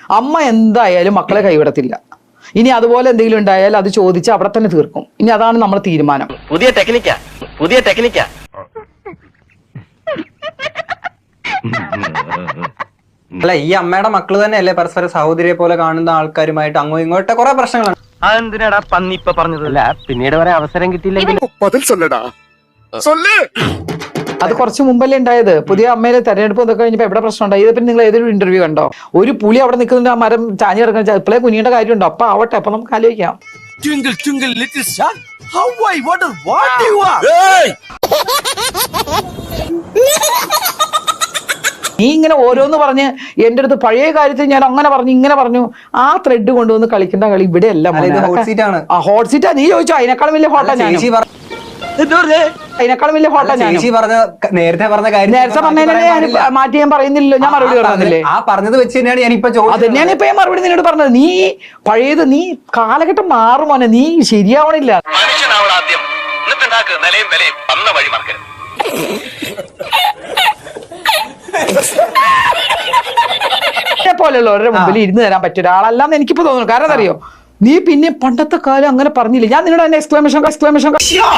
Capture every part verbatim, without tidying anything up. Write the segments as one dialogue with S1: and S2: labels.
S1: അമ്മ എന്തായാലും മക്കളെ കൈവിടത്തില്ല. ഇനി അതുപോലെ എന്തെങ്കിലും ഉണ്ടായാൽ അത് ചോദിച്ച് അവിടെ തന്നെ തീർക്കും. ഇനി അതാണ് നമ്മുടെ തീരുമാനം.
S2: പുതിയ ടെക്നിക്കാ പുതിയ ടെക്നിക്കാ
S3: അല്ല, ഈ അമ്മയുടെ മക്കള് തന്നെയല്ലേ പരസ്പര സഹോദരിയെ പോലെ കാണുന്ന ആൾക്കാരുമായിട്ട് അങ്ങോട്ടും ഇങ്ങോട്ട് കുറെ പ്രശ്നങ്ങളാണ്.
S2: അതെന്തിനാടാ പന്നി ഇപ്പൊ പറഞ്ഞതല്ല, പിന്നീട് വരെ അവസരം കിട്ടിയില്ലെങ്കിൽ
S1: അത് കുറച്ച് മുമ്പല്ലേ ഉണ്ടായത്. പുതിയ അമ്മയിലെ തെരഞ്ഞെടുപ്പ് ഇതൊക്കെ കഴിഞ്ഞപ്പോ എവിടെ പ്രശ്നം ഉണ്ടായി? ഇതിപ്പോ നിങ്ങൾ ഏതൊരു ഇന്റർവ്യൂ കണ്ടോ? ഒരു പുലി അവിടെ നിൽക്കുന്നുണ്ട്, ആ മരം ചാഞ്ഞ് കിടക്കുന്ന ഇപ്പോഴേ കുഞ്ഞിയുടെ കാര്യമുണ്ടോ? അപ്പൊ ആവട്ടെ, അപ്പൊ നമുക്ക് ആലോചിക്കാം.
S4: Twinkle, twinkle, little star, how I wonder what you are.
S1: നീ ഇങ്ങനെ ഓരോന്ന് പറഞ്ഞ് എന്റെ അടുത്ത് പഴയ കാര്യത്തിൽ ഞാൻ അങ്ങനെ പറഞ്ഞു ഇങ്ങനെ പറഞ്ഞു, ആ ത്രെഡ് കൊണ്ടുവന്ന് കളിക്കേണ്ട കളി ഇവിടെ എല്ലാം
S3: ഹോട്ട് സീറ്റ് ആണ്.
S1: ആ ഹോട്ട് സീറ്റാ. നീ ചോദിച്ചോ? അതിനേക്കാളും വലിയ ഹോട്ടാ ഞാൻ. അതിനേക്കാളും വലിയ ഹോട്ടാ ഞാൻ.
S3: നേരത്തെ പറഞ്ഞ കാര്യം
S1: നേരത്തെ പറഞ്ഞതിനെ ഞാൻ മാറ്റി ഞാൻ പറയുന്നില്ലല്ലോ. ഞാൻ മറുപടി പറഞ്ഞില്ലേ?
S3: ആ പറഞ്ഞത് വെച്ച് തന്നെയാണ് ഞാൻ ഇപ്പൊ
S1: അത് തന്നെയാണ് ഇപ്പൊ ഞാൻ മറുപടി നിന്നോട് പറഞ്ഞത്. നീ പഴയത് നീ കാലഘട്ടം മാറുമോനെ, നീ ശരിയാവണില്ല.
S2: ആദ്യം എന്നിട്ടുണ്ടാക്ക് നിലയും വിലയും വന്ന വഴി മറക്കരുത്.
S1: പോലെയുള്ളവരുടെ മുമ്പിൽ ഇരുന്ന് തരാൻ പറ്റിയ ഒരാളല്ലാന്ന് എനിക്കിപ്പോ തോന്നുന്നു. കാരണം അറിയോ, നീ പിന്നെ പണ്ടത്തെ കാലം അങ്ങനെ പറഞ്ഞില്ല. ഞാൻ നിങ്ങളുടെ തന്നെ എക്സ്ക്ലമേഷൻ എക്സ്ക്ലമേഷൻ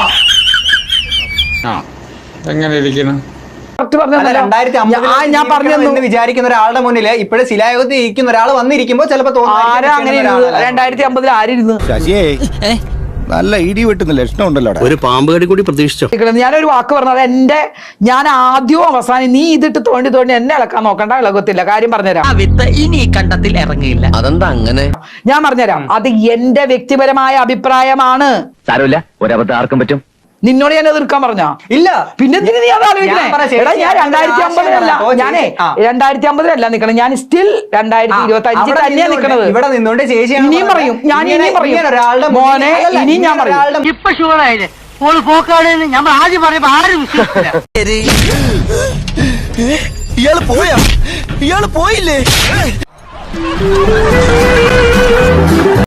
S5: എങ്ങനെ ഇരിക്കണം
S3: രണ്ടായിരത്തി അമ്പത് വിചാരിക്കുന്ന ഒരാളുടെ മുന്നിൽ ഇപ്പോഴും ശിലായുഗത്തിൽ ഇരിക്കുന്ന ഒരാൾ വന്നിരിക്കുമ്പോ ചിലപ്പോ
S1: ആരാ അങ്ങനെ രണ്ടായിരത്തി അമ്പതിൽ ആരിരുന്നു?
S4: നല്ല ഇടി വെട്ടുന്ന ലക്ഷണം ഉണ്ടല്ലോ.
S2: ഒരു പാമ്പ് കടി കൂടി പ്രതീക്ഷിച്ചോ?
S1: ഞാനൊരു വാക്ക് പറഞ്ഞത് എന്റെ ഞാൻ ആദ്യവും അവസാനം നീ ഇതിട്ട് തോണ്ടി തോണ്ടി എന്നെ ഇളക്കാൻ നോക്കണ്ട, ഇളകത്തില്ല. കാര്യം പറഞ്ഞുതരാം.
S6: ഇനി കണ്ടത്തിൽ ഇറങ്ങിയില്ല.
S2: അതെന്താ അങ്ങനെ?
S1: ഞാൻ പറഞ്ഞുതരാം. അത് എന്റെ വ്യക്തിപരമായ അഭിപ്രായമാണ്.
S2: സാരമില്ല, ഒരബദ്ധം ആർക്കും പറ്റും.
S1: നിന്നോട് ഞാൻ എതിർക്കാൻ പറഞ്ഞ
S3: ഇല്ല.
S1: പിന്നെ നീ അത് ആലോചിക്കണേ. എടാ, ഞാൻ രണ്ടായിരത്തി അമ്പതിലല്ല ഞാനേ രണ്ടായിരത്തി അമ്പതിലല്ല നിക്കണം. ഞാൻ സ്റ്റിൽ രണ്ടായിരത്തി ഇരുപത്തി അഞ്ചിൽ തന്നെയാ നിക്കണത്.
S3: ഇവിടെ നിന്നോണ്ട് ചേച്ചി
S1: ഇനിയും പറയും, ഞാൻ ഇനിയും പറയും മോനെ, ഇനിയും ഞാൻ പറയും.
S6: ഇപ്പൊ ഷുവറായില്ലേ ഓള് പോക്കാണെന്ന് നമ്മൾ ആദ്യം പറയുമ്പോ ആരും വിശ്വസിക്കില്ല.
S4: ഇയാള് പോയാ ഇയാള് പോയില്ലേ?